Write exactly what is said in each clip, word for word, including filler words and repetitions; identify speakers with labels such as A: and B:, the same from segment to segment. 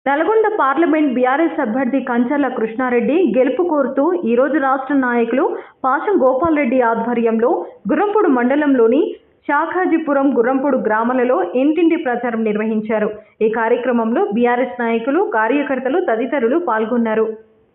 A: Nalgonda parliament BRS అభ్యర్థి కంచర్ల కృష్ణారెడ్డి గెలుపు కోరుతూ ఈరోజు రాష్ట్ర నాయకులు పాషం గోపాల్ రెడ్డి ఆధ్వర్యంలో గుర్రంపూడి మండలంలోని శాఖాజీపురం గుర్రంపూడి గ్రామాలలో ఇంటింటి ప్రచారం నిర్వహించారు. ఈ కార్యక్రమంలో బీఆర్ఎస్ నాయకులు, కార్యకర్తలు తదితరులు పాల్గొన్నారు.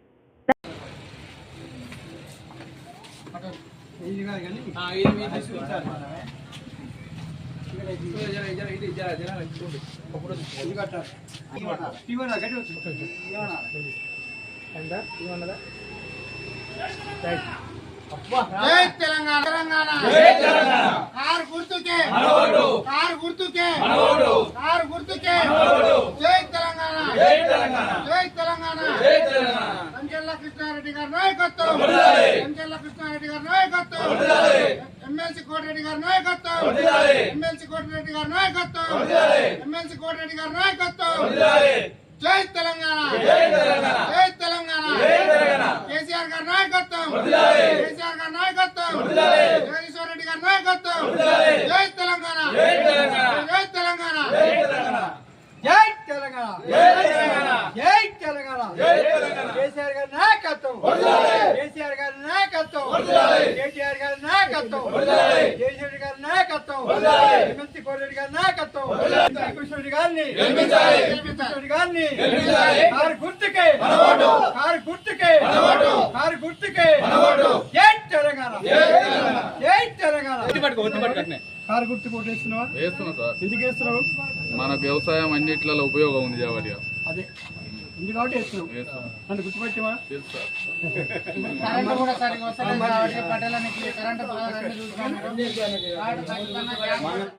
B: జై తెలంగాణ తెలంగాణ జై తెలంగాణ కారు గుర్తుకే మనోడు కారు గుర్తుకే మనోడు కారు గుర్తుకే మనోడు జై తెలంగాణ జై తెలంగాణ జై తెలంగాణ జై తెలంగాణ కంచెల్ల కృష్ణారెడ్డి గారి నాయకత్వం వర్ధిల్లాలి కంచెల్ల కృష్ణారెడ్డి గారి నాయకత్వం వర్ధిల్లాలి ఎమ్మెల్సీ కోటిరెడ్డి గారి నాయకత్వం వర్ధిల్లాలి ఎమ్మెల్సీ కోటిరెడ్డి గారి నాయకత్వం వర్ధిల్లాలి ఎమ్మెల్సీ కోటిరెడ్డి గారి నాయకత్వం వర్ధిల్లాలి జై తెలంగాణ జై తెలంగాణ జై తెలంగాణ జై తెలంగాణ కేసీఆర్ గారి నాయకత్వం వర్ధిల్లాలి కేసీఆర్ గారి నాయకత్వం వర్ధిల్లాలి జగదీశ్వర్ రెడ్డి గారి నాయకత్వం వర్ధిల్లాలి జై తెలంగాణ జై తెలంగాణ జై తెలంగాణ జై తెలంగాణ జై తెలంగాణ జై తెలంగాణ జై తెలంగాణ జై తెలంగాణ కేసీఆర్ గారి నాయకత్వం వర్ధిల్లాలి కేసీఆర్ గారి నాయకత్వం వర్ధిల్లాలి కేటీఆర్ గారి నాయకత్వం వర్ధిల్లాలి జగదీశ్వర్ గారి నాయకత్వం వర్ధిల్లాలి ఎమ్మెల్సీ కోటిరెడ్డి గారి నాయకత్వం వర్ధిల్లాలి కృష్ణరెడ్డి గారిని గెలిపించాలి కృష్ణరెడ్డి గారిని గెలిపించాలి కారు గుర్తుకే మనోడు కారు గుర్తుకే మనోడు కారు గుర్తుకే మనోడు జై తెలంగాణ జై తెలంగాణ జై తెలంగాణ ఒత్తిపట్టుకో ఒత్తిపట్టుకనే కారు గుర్తు కొట్టేస్తున్నావా? వేస్తున్నా సార్. ఎందుకు వేస్తున్నావు?
C: మన వ్యవసాయం అన్నిట్లలో ఉపయోగం ఉంది కాబట్టి
B: అదే ఉంది కాబట్టి వేస్తున్నావు. నన్ను గుర్తుపట్టివా?
C: తెలుసు సార్.
B: కరెంట్ కూడా సరిగ్గా వస్తలేదు కాబట్టి పట్టణానికి కరెంట్